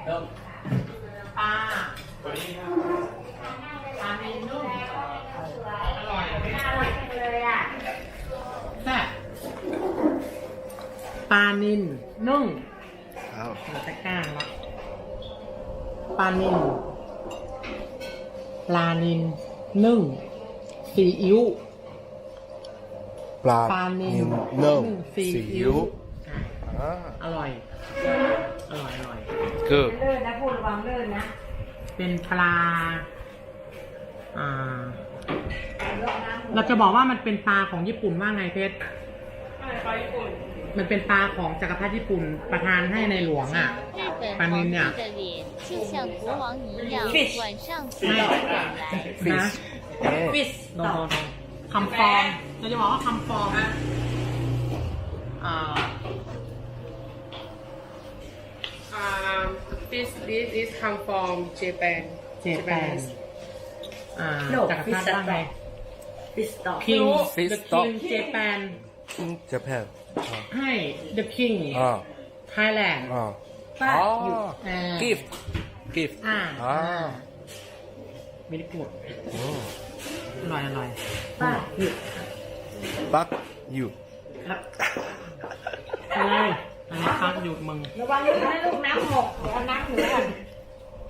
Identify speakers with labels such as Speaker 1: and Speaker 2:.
Speaker 1: ปลาเมนูอร่อยน่ารักจังเลยอ่ะแซ่บปลานิลนึ่งเราจะก้างละปลานิลนึ่งซีอิ๊ว
Speaker 2: ปลานิลนึ่งซีอิ๊ว
Speaker 1: อร่อย
Speaker 2: คือ
Speaker 3: เลิศนะพูดระวังเลิศนะ
Speaker 1: เป็นปลาเราจะบอกว่ามันเป็นปลาของญี่ปุ่นว่าไงเพชรปลาญี่ปุ่นมันเป็นปลาของจักรพรรดิญี่ปุ่นประทานให้ในหลวงอ่ะปลานิลเนี่ยนะฟิชคำฟอร์มเราจะบอกว่าคำฟอร์ม
Speaker 4: This is come from Japan.
Speaker 1: เจแปนจักรพรรดิว่าไง
Speaker 3: ฟิสต็อก
Speaker 1: King
Speaker 2: Fish
Speaker 1: the
Speaker 2: stock
Speaker 1: King Japan
Speaker 2: Japan
Speaker 1: ให้ the King Thailand
Speaker 3: ป้าอยู่
Speaker 2: gift
Speaker 1: ไม่ได้พูดอร่อย
Speaker 3: ป้าอยู่
Speaker 2: ปักอยู่
Speaker 1: อะไรปักอยู่มึง
Speaker 3: ระวังลูกนะลูกน้ำหกเอาน้ำหนูก่อน